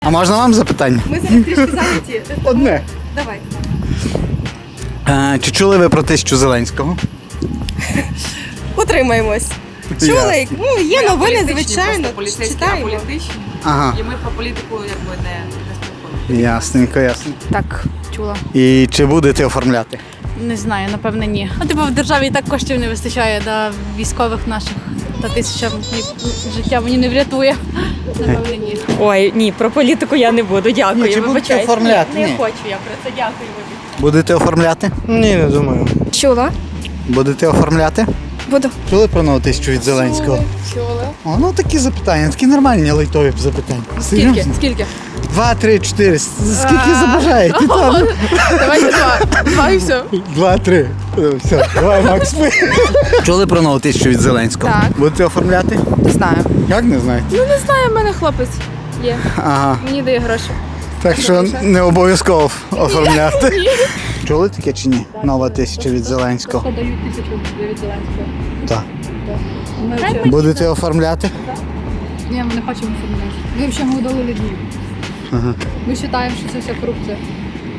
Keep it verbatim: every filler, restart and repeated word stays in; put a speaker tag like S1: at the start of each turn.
S1: А можна вам запитання?
S2: Ми зараз трішки зайняті.
S1: Одне.
S2: Давай.
S1: Е, чи чули ви про тисячу Зеленського?
S2: Утримаємось. Чули? Ну, є новини, звичайно.
S3: Поліцейські, а
S2: Читаємо.
S3: політичні.
S1: Ага.
S3: І ми про політику якби не, не спілкуємося.
S1: Ясненько, ясно.
S4: Так, чула.
S1: І чи будете оформляти?
S4: Не знаю, напевне, ні. Ну, типу, в державі і так коштів не вистачає до військових наших. Та тисяча ні, життя мені не врятує. Напевне, ні.
S5: Ой, ні, про політику я не буду, дякую.
S1: Ні, чи будете
S5: вибачайте.
S1: оформляти?
S5: Ні,
S1: Ні.
S5: не хочу я про це, дякую. вибачте.
S1: Будете оформляти?
S6: Ні, не думаю.
S2: Чула?
S1: Будете оформляти?
S2: Буду.
S1: Чули про нову тисячу від Зеленського?
S2: Чула.
S1: О, ну такі запитання, такі нормальні лайтові запитання.
S4: Скільки?
S1: Серйозно?
S4: Скільки?
S1: Два, три, чотири. Скільки забажаєте? Там?
S4: Давайте два. Два і все.
S1: Два, три. Е, Все, давай, Макс. Чули про нову тисячу від Зеленського?
S4: Так.
S1: Будете оформляти?
S4: Не знаю.
S1: Як не знаєте?
S4: Ну, не знаю, в мене хлопець є.
S1: Ага.
S4: Мені дає гроші.
S1: Так що не обов'язково оформляти. Чули таке чи ні? Нова тисяча від Зеленського.
S4: Дають тисячу від Зеленського.
S1: Так.
S4: Ми взагалі...
S1: Будете оформляти?
S4: Ні, ми не хочемо оформляти. Ми взагалі удалили дію.
S1: Ага.
S4: Ми вважаємо, що це вся корупція.